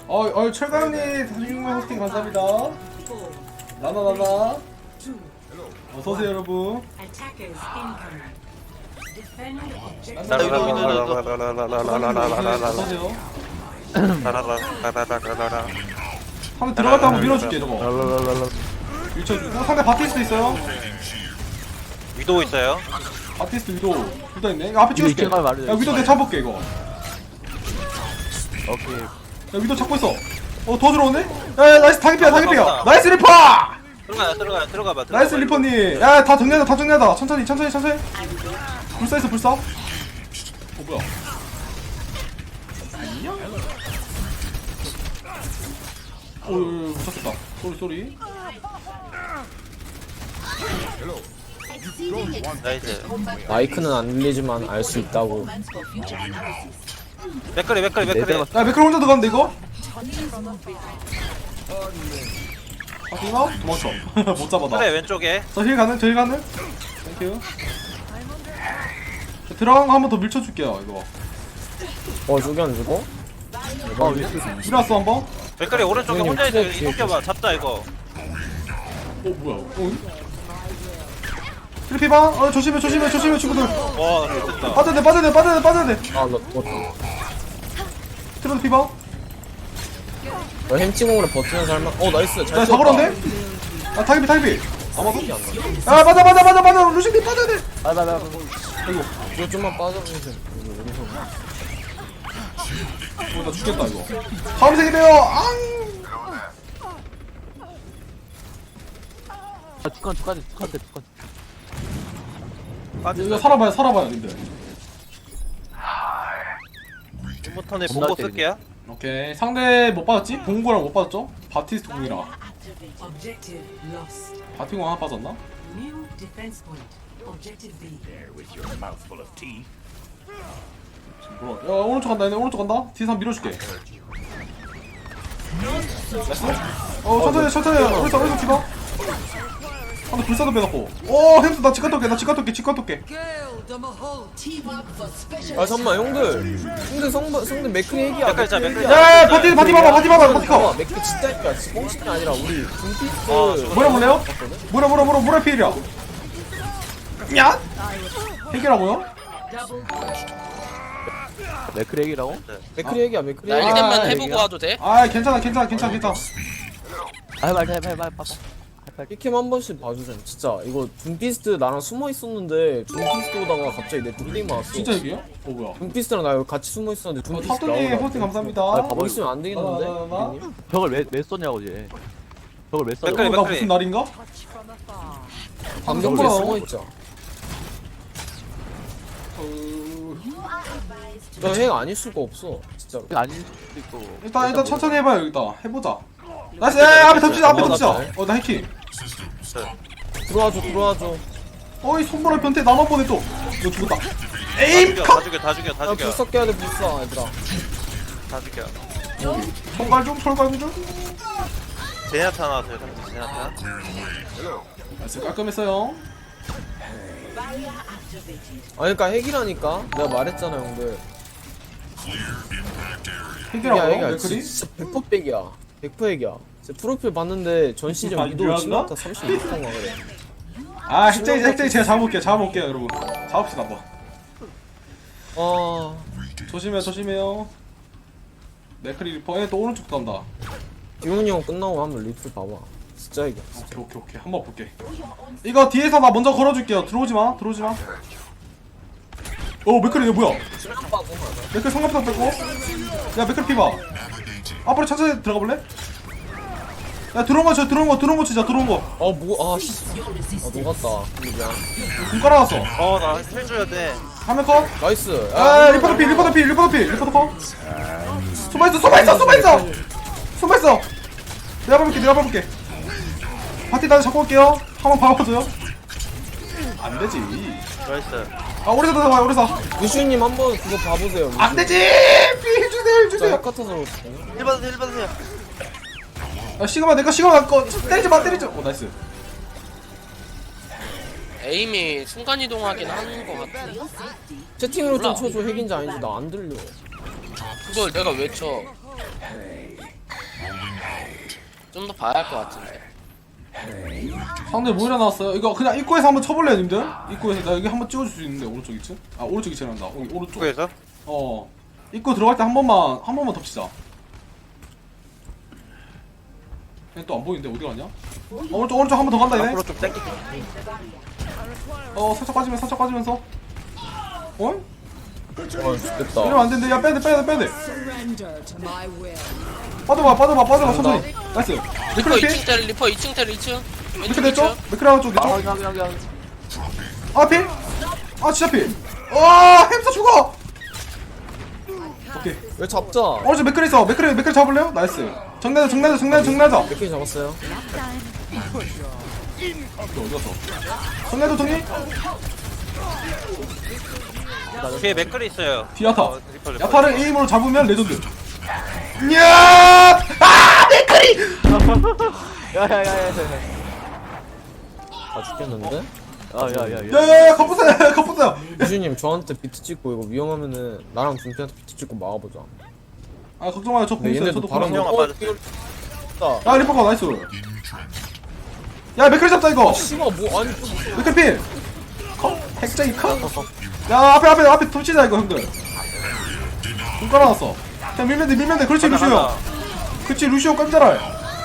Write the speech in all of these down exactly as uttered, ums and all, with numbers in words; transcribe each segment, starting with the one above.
어, 어, 철강님 사십육 만 호스팅 감사합니다. 나나 나나. 어서 오세요 여러분. 나 위도 위도 위도. 어서 오세요. 라라라라라라라라라. 한번 들어갔다 한번 밀어줄게 저거. 밀쳐주고 상대 바티스트 있어요. 위도우 있어요. 바티스트 위도 둘 다 있네. 이거 앞에 찍어줄게. 이거 말해, 야 위도 이거 내가 잡아볼게 이거. 오케이. 야 위도 잡고 있어. 어 더 들어오네? 야, 야 나이스 타겟피야 타겟피야. 나이스 리퍼! 들어가요 들어가요 들어가봐. 나이스 리퍼님. 야 다 정리하다 다 정리하다. 천천히 천천히 천천히. 불사 있어 불사. 어 뭐야? 안녕. 오유 붙었다. 쏘리 쏘리. 나이스. 마이크는 안 들리지만 알 수 있다고. 맥거리 맥거리 맥거리. 야 매크로 혼자 들어갔는데 이거? 아 이거? 도망쳐. 못 잡아 나. 그래 왼쪽에. 저 힐 가는? 저 힐 가는? 땡큐. 들어간 거 한 번 더 밀쳐줄게요 이거. 어 저기 안 죽어? 어 위스. 밀었어 한 번? 어 맥거리 오른쪽에 형님, 혼자 있어. 트랩 뒤에 이동켜봐. 잡자 이거. 뭐야? 어? 트리피바? 어 조심해 조심해 조심해 친구들. 와 됐다. 빠져야 돼 빠져야 돼 빠져야 돼 빠져야 돼. 아나 죽었다. 트로드 피바? 너 햄찌공으로 버티면서 할만. 어 나이스 잘 야 쳤다. 잡으러네? 아 타이비 타이비. 아마도? 안 나. 야 맞아 맞아 맞아 맞아 루시님 빠져야 돼. 나나나. 아이고 이거 좀만 빠져주세요. 어, 나 죽겠다 이거. 다음 생이래요. 앙. 아 축한 축한 축한 축한. 이거 살아봐요 살아봐요 님들. 부터네 보고 쓸게요. 오케이 상대 못 받았지? 봉구랑 못 받았죠? 바티스트 공이랑 Objective lost. 바티 공 하나 빠졌나? New defense point. Objective B. 뭐야? 야 오른쪽 간다 얘네 오른쪽 간다. 뒤에서 한번 밀어줄게. 됐어? 어 천천히 천천히 오른쪽 오른쪽 뒤봐. 한번 불사도 빼놓고. 오 햄스 나 치카 토끼 나 치카 토끼 치카 토끼. 아 잠만 형들. 형들 성부 성들 맥크리 핵이야. 맥크리 자, 맥크리 야 바티 바티 봐봐 바티 봐봐 바티 커. 맥크 진짜 핵이야. 뻥치가 아니라 우리 둠피스트. 어, 저거- 뭐라 볼래요? 뭐라 뭐라 뭐라 뭐라 피해야. 야? 핵이라고요? 맥크랙이라고? 맥크리 핵이야 맥크리 나 핵. 일 대만 아, 해보고 와도 돼? 아 괜찮아 괜찮아 괜찮아 괜찮아. 아 해봐 해봐 해봐 해봐. 피캠 한 번씩 봐주세요. 진짜 이거 둠피스트 나랑 숨어 있었는데 둠피스트 오다가 갑자기 내 둠핑 맞았어. 진짜 핵이에요? 어 뭐야? 둠피스트랑 나 여기 같이 숨어 있었는데 둠피스트 탑돌님 나오더라고. 호스팅 감사합니다. 아, 봐봐. 거기 있으면 안 되겠는데? 나, 나, 나, 나. 피디님? 벽을 왜 왜 썼냐고 이제. 벽을 왜 써? 맥크리, 어, 나 무슨 날인가? 방금 전에 뭐야? 숨어 있자. 어... 너핵 아닐 수가 없어. 진짜로. 아닐 수도 있고. 일단 일단 천천히 해봐요 여기다 해보자. 나이스 야 앞에 덮치자 앞에 어, 덮치자. 나 어나 해킹. 들어와줘 들어와줘. 어이 손보라 변태 나만 보내 또. 너 죽었다. 다 에임 죽여 컷. 다 죽여 다 죽여 다 야 죽여 불사 깨야 돼 불사 얘들아. 다 죽여. 철갈 좀 철갈 좀. 제냐타 나왔어요. 제냐타. 나이스 깔끔했어요. 아 그니까 핵이라니까. 내가 말했잖아 형들. 핵이라고요? 핵이야 맥크리? 진짜 백 퍼센트 백이야. 백 퍼센트 핵이야. 진짜 프로필 봤는데 전 시즌 아, 위도 유한가? 치명타 삼십육 퍼센트인가 그래. 아 핵쟁이 핵쟁이 제가 잡아볼게요 잡아볼게요 여러분. 잡읍시다 한번. 아 조심해요 조심해요. 맥크리 리퍼 얘또 오른쪽 간다. 기훈이 형 끝나고 한번 리플 봐봐. 진짜 핵이야. 오케이 오케이 오케이 한번 볼게. 이거 뒤에서 나 먼저 걸어줄게요. 들어오지마 들어오지마. 어 맥크리 얘 뭐야? 맥크리 성갑상 뺐고. 야 맥크리 피봐. 앞으로 천천히 들어가 볼래? 야 들어온 거 저 들어온 거 들어온 거 치자 들어온 거. 아뭐 아씨. 아 녹았다. 미안. 군 깔아놨어. 어나 해줘야 돼. 화면 컷. 나이스. 아 리퍼도 피 리퍼도 피 리퍼도 피 리퍼도 컷. 숨어 있어 숨어 있어 숨어 있어. 숨어 있어. 내가 밟을게 내가 밟을게. 파티 다시 잡고 올게요. 한번 밟아줘요. 안 되지. 나이스. 아 오래사 들어가 오래사. 유슈님 한번 그거 봐보세요. 안 되지. 피 해주세요 진짜 해주세요. 핵 같아서 그렇지. 일 받으세요 일 받으세요. 야 시그마 내가 시그마 갖고 때리지 마 때리지. 오 나이스. 에임이 순간이동하긴 하는 것 같아. 채팅으로 좀 몰라. 쳐줘. 핵인지 아닌지 나 안 들려. 그걸 내가 왜 쳐? 좀 더 봐야 할 것 같은데. 상대 뭐 일어났어요? 이거 그냥 입구에서 한번 쳐볼래요 님들? 입구에서 나 여기 한번 찍어줄 수 있는데 오른쪽 이 층? 아 오른쪽 이 층이란다 여기 오른쪽 쪽에서? 어 입구 들어갈 때 한 번만 한 번만 덮치자 얘 또 안 보이는데 어디 갔냐? 어, 오른쪽 오른쪽 한 번 더 간다 얘네 앞으로 좀 땡기. 어 살짝 빠지면서 살짝 빠지면서 어? 어 죽겠다. 이러면 안 되는데 야 빼야돼 빼야돼 빼야돼 Surrender to my will. 빠져봐 빠져봐 빠져봐 천천히 나이스 리퍼 맥크리 이 층 피? 때려 리퍼 이 층 때려 이 층. 맥크리 왼쪽 이 됐죠? 층. 맥크리 하나 쪽 아 내쪽 그냥 그냥 그냥 아 필? 아 진짜 필! 와 햄스터 죽어! 오케이 왜 잡자? 오른쪽 맥크리 있어 맥크리 맥크리 잡을래요? 나이스 정내자 정내자 정내자 정내자 몇 개 잡았어요? 어디 갔어? 정내자 정리? 뒤에 맥클이 있어요. 디아타 어, 리퍼, 리퍼. 야타를 에임으로 잡으면 레전드 야! 아 맥크리! 야야야야야 아 죽겠는데? 야야야야 야야야 컴퓨터야 컴퓨터야 유주님 저한테 비트 찍고 이거 위험하면은 나랑 준피한테 비트 찍고 막아보자. 아 걱정 마요 저 근데 공있어요 얘네도 저도 바로 공있어요 형아 빠졌어. 다 야 리퍼가 나이스 야 맥크리 잡자 이거 씨발 뭐 아니 맥크리 필! 컷? 핵쟁이 컷? 야 앞에 앞에 앞에 덮치자 이거 형들 눈 깔아놨어 그냥 밀면 돼 밀면 돼 그렇지 가자, 루시오 가자. 그렇지 루시오 깜짝아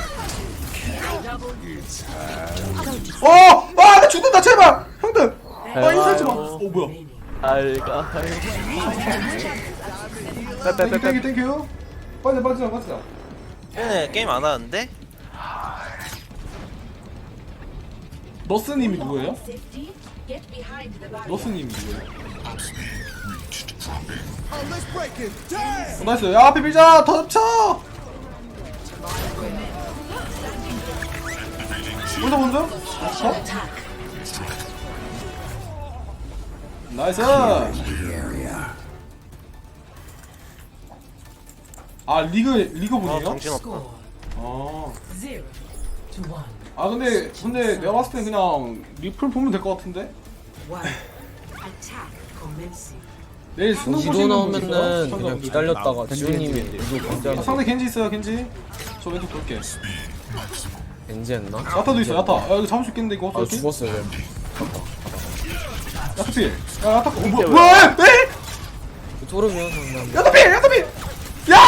어! 아! 나 죽는다 제발! 형들! 아 인사하지 마! 어 뭐야 알가 땡큐 땡큐 땡큐 빠져 빠지자 빠지자 얘네 게임 안 하는데? 너스님이 누구예요? 너스님이 누구예요? 어, 나이스 야 앞에 밀자 더 덮쳐 먼저 먼저 어? 나이스 아 리그 리그 어 분이에요? 정신없다. 아, Zero to one. 아 근데 근데 내가 봤을 땐 그냥 리플 보면 될 것 같은데 One. Attack commencing. 내일 수능 위도 보시는 분 나오면은 있어요? 그냥 기다렸다가 지훈님이 위도 아, 강제하는 상대 겐지 있어요 겐지 저 왼쪽 돌게 겐지 했나? 야타도 있어 야타 야 이거 잡을 수 있겠는데 이거 아 어떻게 죽었어요 왜? 야타 필 야, 야타 어 뭐야 뭐야 에? 토르비언 상담 야타 필 야타 필 야!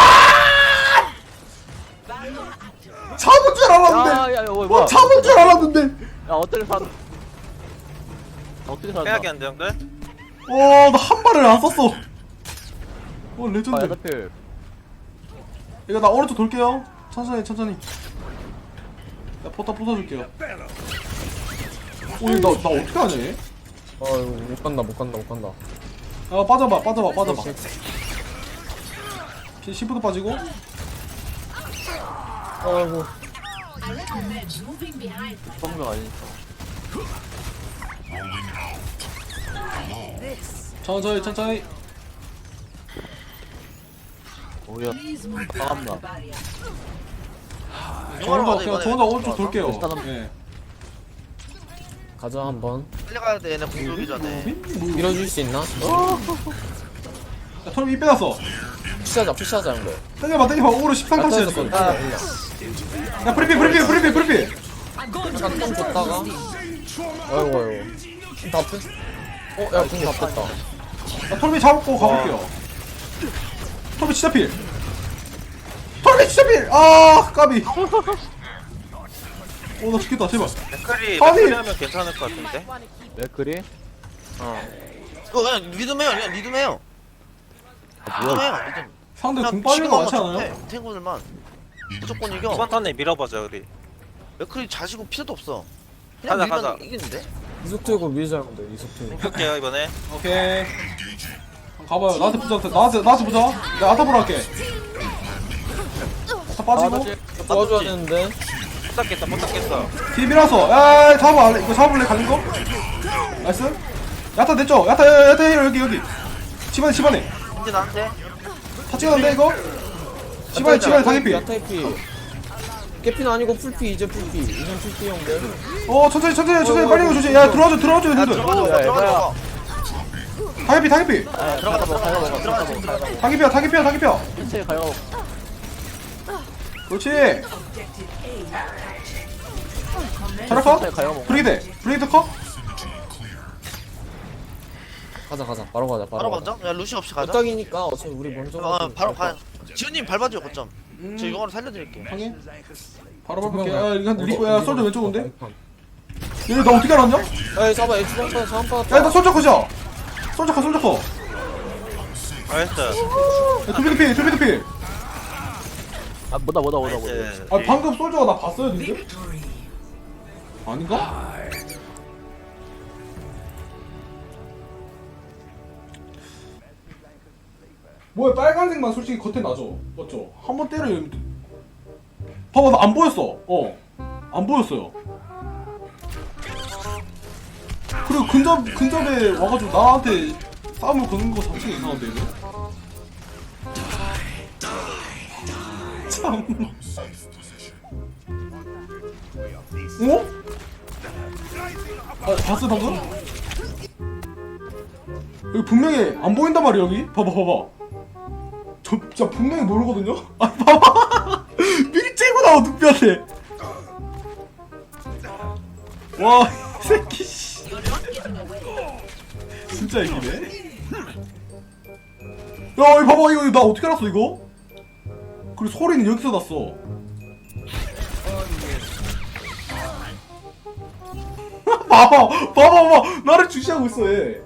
잡을 줄 알았는데 야야야 뭐 뭐야 잡을 줄 알았는데 야 어떻게 사 어떻게 빼야게 살았나 안 돼, 형들? 와나 한 발을 안 썼어 어 아 레전드 야다필 이거 나 오른쪽 돌게요 천천히 천천히 나 포탑 부숴줄게요 오나 나 어떻게 하냐 얘? 아 이거 못 간다 못 간다 못 간다 아 빠져봐 빠져봐 빠져봐 피 십도 빠지고 아이고 성명 아니니까 천천히 천천히 오야 반갑나 저 혼자 맞아, 그냥 이번에 저 혼자 오른쪽 돌게요 일단은- 예 가자 한번 빨리 가야 돼, 얘네 공 돌기 전에. 밀어줄 수 있나? 야 털이 이 빼놨어 푸시하자 푸시하자 형들 땡겨봐 땡겨봐 오로 십삼 칸치야 야타에서 지금 건다 야 프리피 프리피 프리피 프리피 잠깐 줬다가 아이고 아이고 다 뺐? 어? 야 궁 다 뺐다 야 털비 잡고 가볼게요 털비 진짜 필 털비 진짜 필아 까비 오나 죽겠다 제발 맥클이, 아니. 맥클이 하면 괜찮을 것 같은데? 맥크리 어. 이거 그냥 리듬해요, 그냥 리듬해요. 리듬해요, 리듬. 상대 그냥 공 빠진 거 많지 지금 않아요? 해, 탱구들만. 무조건 이겨. 이번 턴에 밀어보자, 우리. 맥클이 자지고 필요도 없어. 그냥 가자, 밀면 가자. 이기는데? 이속 틀고 밀자 형들 이속 틀고 볼게요, 이번에. 오케이 가봐요 나한테 보자 나한테 나한테 보자 내가 아타 보러 갈게 아타 빠지고 도와줘야 되는데 못 닦겠다, 못 닦겠어. 뒤에 밀어서 야 잡아 이거 잡아볼래 가는 거? 나이스 야타 됐죠? 야타 야타, 야타 여기 여기 집안에 집안에 이제 나한테. 다 찍었는데 이거? 집안에 집안에 다개피 야타이피 깨피는 아니고 풀피 이제 풀피 이젠 풀피 형들 어 천천히 천천히 천천히 빨리 이거 조심 야 들어와줘 들어와줘 야, 얘들 들어가자, 야, 들어가자. 야. 다개피 다개피 들어가자, 먹어, 들어가자, 들어가자. 다개피야 다개피야 다개피야 일체 가요 그렇지. Objective A captured. 자라 컷. 가요 먹어. 브리기드. 브리기드 컷. 가자 가자 바로 가자 바로, 바로 가자 먼저? 야 루시 없이 가자. 격이니까 어차피 우리 먼저 어 가도 바로 될 가. 지훈님 밟아줘요 거점. 음. 저 이거로 살려드릴게요. 확인. 바로 것 밟을게. 같아. 야 이거 리퍼야. 어디, 솔저 어디, 왼쪽 온데. 어디, 얘네 나 어떻게 알았냐? 에이 잡아 얘 주방 받아 자원 받았다 야나 솔저 컷이야. 솔저 컷 솔저 컷. 나이스. 야, 투비드 필 투비드 필. 아 뭐다 뭐다 뭐다 뭐다. 나이스. 아 방금 솔저가 나 봤어요 근데? Victory. 아닌가? 뭐야 빨간색만 솔직히 겉에 나죠 맞죠? 한번 때려 봐봐 나 안 보였어 어안 보였어요 그리고 근접, 근접에 와가지고 나한테 싸움을 거는 거 자체가 이상한데 이거? 참 어? 아 봤어 방금? 여기 분명히 안 보인단 말이야 여기? 봐봐 봐봐 저 진짜 분명히 모르거든요? 아 봐봐 미리 째고 나와 눈뼈한테 와 이 새끼 씨 진짜 이기네 야 이거 봐봐 이거 나 어떻게 알았어 이거? 그리고 소리는 여기서 났어 봐봐 봐봐 봐봐 나를 주시하고 있어 얘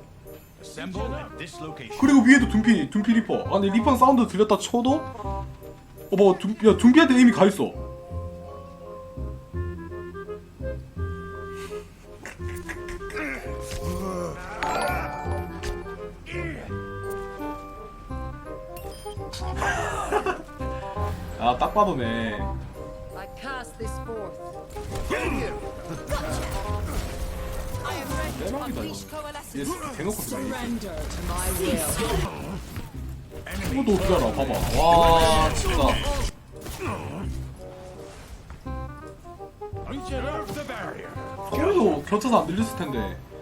그리고 위에도 둠피 둠피 리퍼 아니 리퍼 사운드 들렸다 쳐도 어 봐봐 둠, 야 둠피한테 이미 가있어 아 딱 봐도네 I cast this forth. 대박이다 이거 얘 대놓고 쓰네 Surrender to my will. 이것도 어떻게 알아 봐봐 와 진짜 소리도 겹쳐서 안 들렸을 텐데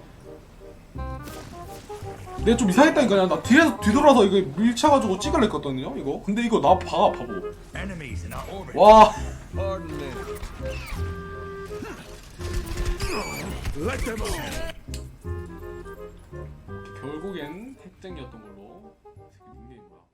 내가 좀 이상했다니까 나 뒤에서 뒤돌아서 이거 밀쳐가지고 찍을래 했거든요 이거 근데 이거 나 봐가 바보 와 결국엔 핵쟁이였던 걸로 닉네임 뭐야